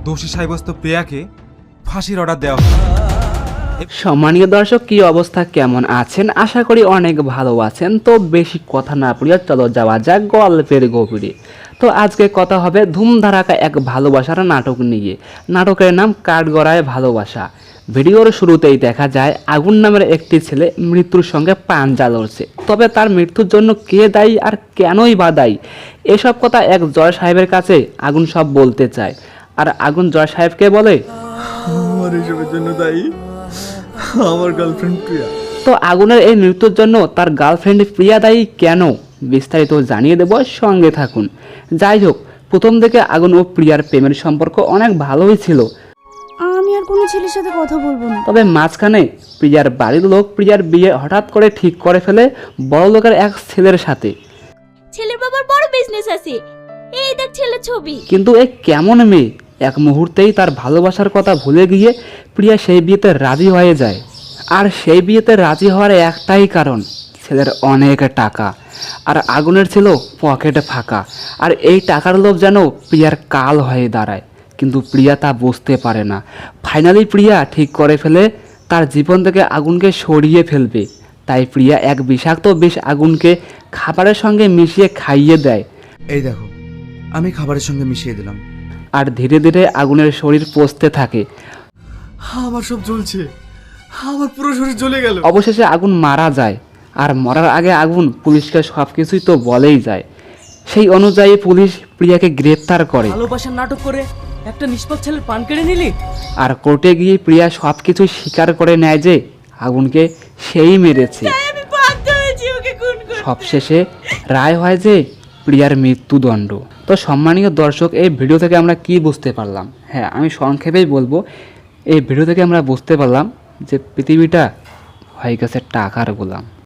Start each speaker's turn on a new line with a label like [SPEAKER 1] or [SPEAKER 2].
[SPEAKER 1] দোষী সাব্যস্ত প্রিয়াকে ফাঁসির অর্ডার দেওয়া হয়।
[SPEAKER 2] সম্মানীয় দর্শক, কি অবস্থা, কেমন আছেন? আশা করি অনেক ভালো আছেন। তো বেশি কথা না বলিয়া চলো যাওয়া যাক গল্পের গভীরে। তো আজকে কথা হবে ধুমধারাকা এক ভালোবাসার নাটক নিয়ে। নাটকের নাম কাঠগড়ায় ভালোবাসা। ভিডিওর শুরুতেই দেখা যায় আগুন নামের একটি ছেলে মৃত্যুর সঙ্গে পাঞ্জা লড়ছে। তবে তার মৃত্যুর জন্য কে দায়ী আর কেনই বা দায়ী, এসব কথা এক জয় সাহেবের কাছে আগুন সব বলতে চায়। আর আগুন জয় সাহেবকে বলে,
[SPEAKER 3] আমার এসবের জন্য দায়ী আমার গার্লফ্রেন্ড প্রিয়া।
[SPEAKER 2] তো আগুনের এই মৃত্যুর জন্য তার গার্লফ্রেন্ড প্রিয়া দায়ী কেন, বিস্তারিত জানিয়ে দেব, সঙ্গে থাকুন। যাই হোক, প্রথম থেকে আগুন ও প্রিয়ার প্রেমের সম্পর্ক অনেক ভালোই ছিল।
[SPEAKER 4] আমি আর কোনো ছেলের সাথে কথা বলবো না।
[SPEAKER 2] তবে মাঝখানে প্রিয়ার বাড়ির লোক প্রিয়ার বিয়ে হঠাৎ করে ঠিক করে ফেলে বড় লোকের এক ছেলের সাথে।
[SPEAKER 4] ছেলের বাবার বড় বিজনেস আছে, এই দেখ ছেলের ছবি।
[SPEAKER 2] কিন্তু এ কেমন মেয়ে, এক মুহূর্তেই তার ভালোবাসার কথা ভুলে গিয়ে প্রিয়া সেই বিয়েতে রাজি হয়ে যায়। আর সেই বিয়েতে রাজি হওয়ার একটাই কারণ, ছেলের অনেক টাকা। আর আগুনের ছিল পকেটে ফাঁকা। আর এই টাকার লোভ যেন প্রিয়ার কাল হয়ে দাঁড়ায়, কিন্তু প্রিয়া তা বুঝতে পারে না। ফাইনালি প্রিয়া ঠিক করে ফেলে তার জীবন থেকে আগুনকে সরিয়ে ফেলবে। তাই প্রিয়া এক বিষাক্ত বিষ আগুনকে খাবারের সঙ্গে মিশিয়ে খাইয়ে দেয়।
[SPEAKER 3] এই দেখো, আমি খাবারের সঙ্গে মিশিয়ে দিলাম।
[SPEAKER 2] আর ধীরে ধীরে আগুনের শরীর পচতে থাকে।
[SPEAKER 3] আমার সব জ্বলছে, আমার পুরো শরীর জ্বলে গেল।
[SPEAKER 2] অবশেষে আগুন মারা যায়। আর মরার আগে আগুন পুলিশকে সব কিছুই তো বলেই যায়। সেই অনুযায়ী পুলিশ প্রিয়াকে গ্রেপ্তার করে।
[SPEAKER 5] ভালোবাসার নাটক করে একটা নিষ্পাপ ছেলের পান কেড়ে নিলি।
[SPEAKER 2] আর কোর্টে গিয়ে প্রিয়া সব কিছু স্বীকার করে নেয় যে আগুনকে সেই মেরেছে।
[SPEAKER 4] আমি বাধ্য হয়েছি ওকে খুন করতে।
[SPEAKER 2] সবশেষে রায় হয় যে প্রিয়ার মৃত্যুদণ্ড। তো সম্মানীয় দর্শক, এই ভিডিও থেকে আমরা কি বুঝতে পারলাম? হ্যাঁ, আমি সংক্ষেপেই বলবো। এই ভিডিও থেকে আমরা বুঝতে পারলাম যে পৃথিবীটা হয়ে গেছে টাকার গোলাম।